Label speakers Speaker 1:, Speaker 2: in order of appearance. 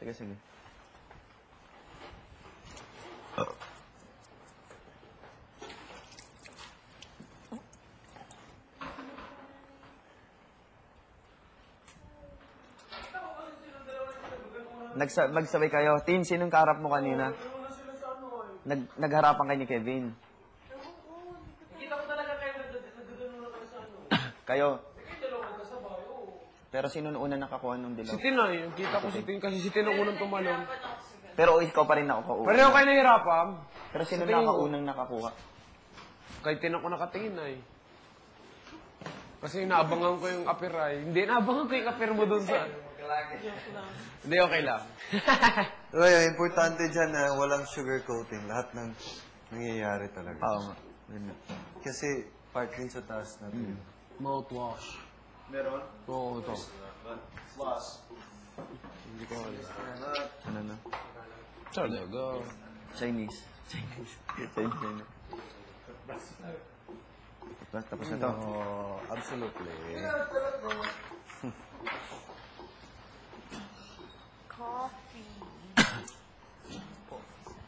Speaker 1: Teka, sige. Magsabay kayo. Team, sinong kaharap mo kanina? Nagharapan kayo ni Kevin.
Speaker 2: Kita ko talaga kayo nagdudulungan kayo sa ano.
Speaker 1: Kayo.
Speaker 2: Sige, dalawang kasabay, oo.
Speaker 1: Pero sino una nakakuha nung dilaw?
Speaker 3: Si Tinay. Kita ko si Tin kasi si Tin ang unang tumalong.
Speaker 1: Pero ikaw pa rin nakukuha.
Speaker 3: Pareho kayo nahirapan.
Speaker 1: Pero sino unang nakakuha?
Speaker 3: Kay Tin ako nakatingin ay. Kasi naabangan ko yung apir ay. Hindi, naabangan ko yung apir mo dun sa... Hindi, okay lang.
Speaker 4: Kaya, importante dyan na walang sugar coating. Lahat ng nangyayari talaga.
Speaker 1: Oo nga.
Speaker 4: Kasi part din sa taas natin.
Speaker 3: Mouthwash.
Speaker 4: Meron?
Speaker 3: Oo, ito.
Speaker 4: Floss.
Speaker 3: Hindi ko alam.
Speaker 1: Ano na?
Speaker 3: Talaga.
Speaker 1: Chinese. Chinese. Tapos na to.
Speaker 4: Oh, absolutely.
Speaker 5: Coffee.